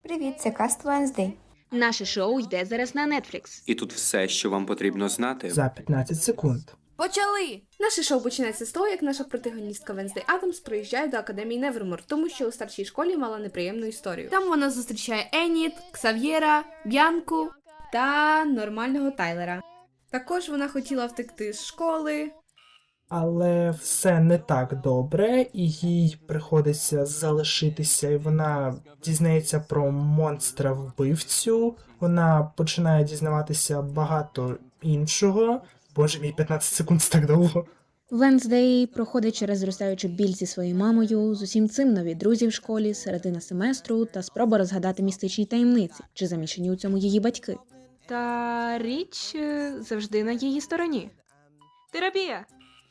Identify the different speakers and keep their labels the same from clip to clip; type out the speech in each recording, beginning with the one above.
Speaker 1: Привіт, це Cast Wednesday.
Speaker 2: Наше шоу йде зараз на Netflix.
Speaker 3: І тут все, що вам потрібно знати.
Speaker 4: За 15 секунд.
Speaker 5: Почали! Наше шоу починається з того, як наша протагоністка Венздей Адамс приїжджає до академії Невермор, тому що у старшій школі мала неприємну історію. Там вона зустрічає Еніт, Ксав'єра, Б'янку та нормального Тайлера. Також вона хотіла втекти з школи.
Speaker 4: Але все не так добре, і їй приходиться залишитися, і вона дізнається про монстра-вбивцю. Вона починає дізнаватися багато іншого. Боже мій, 15 секунд це так довго.
Speaker 2: Венздей проходить через зростаючу біль зі своєю мамою, з усім цим нові друзі в школі, середина семестру та спроба розгадати містичні таємниці, чи замішані у цьому її батьки. Та річ завжди на її стороні. Терапія!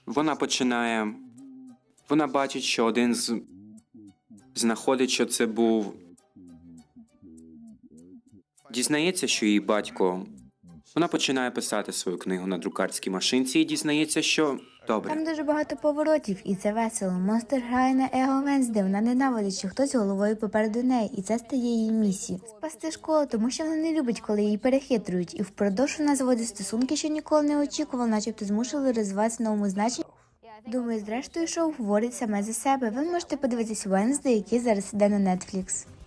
Speaker 3: Вона бачить, що один знаходить, що це був. Дізнається, що її батько. Вона починає писати свою книгу на друкарській машинці і дізнається, що. Добре.
Speaker 1: Там дуже багато поворотів, і це весело. Монстр грає на его Венздей, вона ненавидить, що хтось головою попереду неї, і це стає її місією. Спасти школу, тому що вона не любить, коли її перехитрують, і впродовж вона заводить стосунки, що ніколи не очікувала, начебто змушували розвиватися новому значенні. Думаю, зрештою шоу говорить саме за себе. Ви можете подивитись Wednesday, який зараз іде на Netflix.